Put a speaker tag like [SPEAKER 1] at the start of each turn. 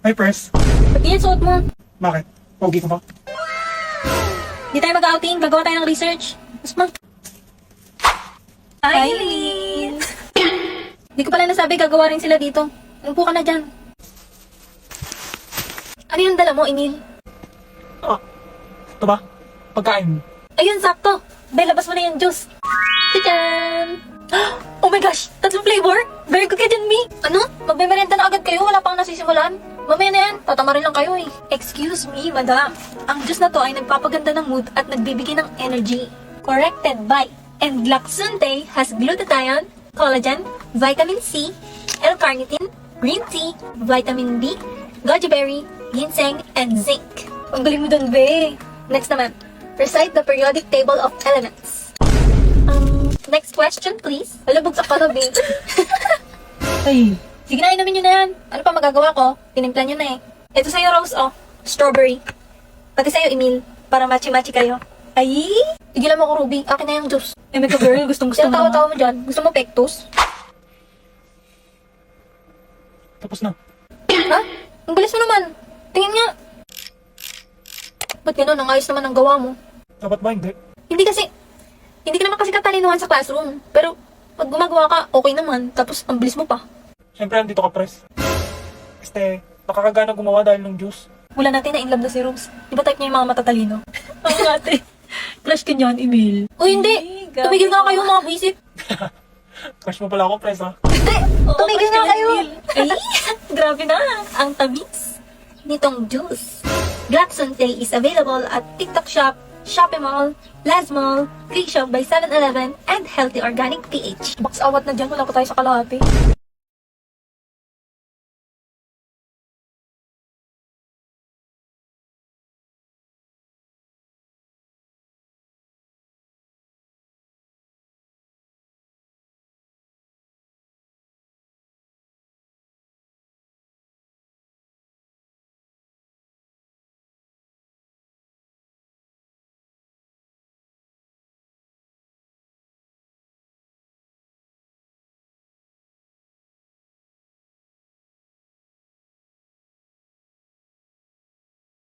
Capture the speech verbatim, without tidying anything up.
[SPEAKER 1] Hi, Pres.
[SPEAKER 2] Ba't yan suot mo?
[SPEAKER 1] Bakit? Pogi ko ba?
[SPEAKER 2] Di tayo mag-outing, gagawa tayo ng research. Mas mag... Hi, Eileen! Di ko pala nasabi, gagawa rin sila dito. Umupo ka na dyan. Ano yung dala mo, Emil?
[SPEAKER 1] Ah, ito ba? Pagkain.
[SPEAKER 2] Ayun, sakto. Bel, labas mo na yung juice. Tadaan! Oh my gosh! Tatlong flavor? Very good ka dyan, Mi! Ano? Magmemerenda na agad kayo? Wala pang nasisimulan? Mamaya na yan. Tatama rin lang kayo eh. Excuse me, madam. Ang juice na to ay nagpapaganda ng mood at nagbibigay ng energy. Corrected by Endlaxunte has glutathione, collagen, vitamin C, L-carnitine, green tea, vitamin B, goji berry, ginseng, and zinc. Ang galing mo dun, be. Next naman, recite the periodic table of elements. Um, next question, please. Alabog sa kalabi.
[SPEAKER 1] Ay,
[SPEAKER 2] Sige na, inumin nyo na yan. Ano pa magagawa ko? Tinimpla nyo na eh. Ito sa'yo, Rose, oh. Strawberry. Pati sa'yo, Emil. Para matchy-matchy kayo. Ay! Tigilan mo ko, Ruby. Akin na yung juice. Eh, may ka-girl. Gustong gusto mo tawa-tawa mo dyan. Gusto mo pectus?
[SPEAKER 1] tapos na.
[SPEAKER 2] Ha? Ang bilis mo naman. Tingin nga. Ba't gano'n? Ang ayos naman ang gawa mo.
[SPEAKER 1] Dapat ba hindi?
[SPEAKER 2] Hindi kasi, hindi ka naman kasi katalinuhan sa classroom. Pero, pag gumagawa ka, okay naman. Tapos, ang bilis mo pa.
[SPEAKER 1] Siyempre, andito ka, Pres. Este, nakakagana gumawa dahil ng juice.
[SPEAKER 2] Wala natin na in love na si Rose. Di ba type niya yung mga matatalino? Ang ate. Crush ka niyan, Emil. Uy, hindi. Tumigil nga kayo, mga buwisit.
[SPEAKER 1] Crush mo pala ako, Pres, ha?
[SPEAKER 2] Hindi. Tumigil nga kayo. Ay, grabe na. Ang tamis nitong juice. Glaxonte is available at TikTok Shop, Shopee Mall, Laz Mall, Free Shop by seven eleven, and Healthy Organic P H. Box awat na dyan. Wala pa tayo sa kalahati.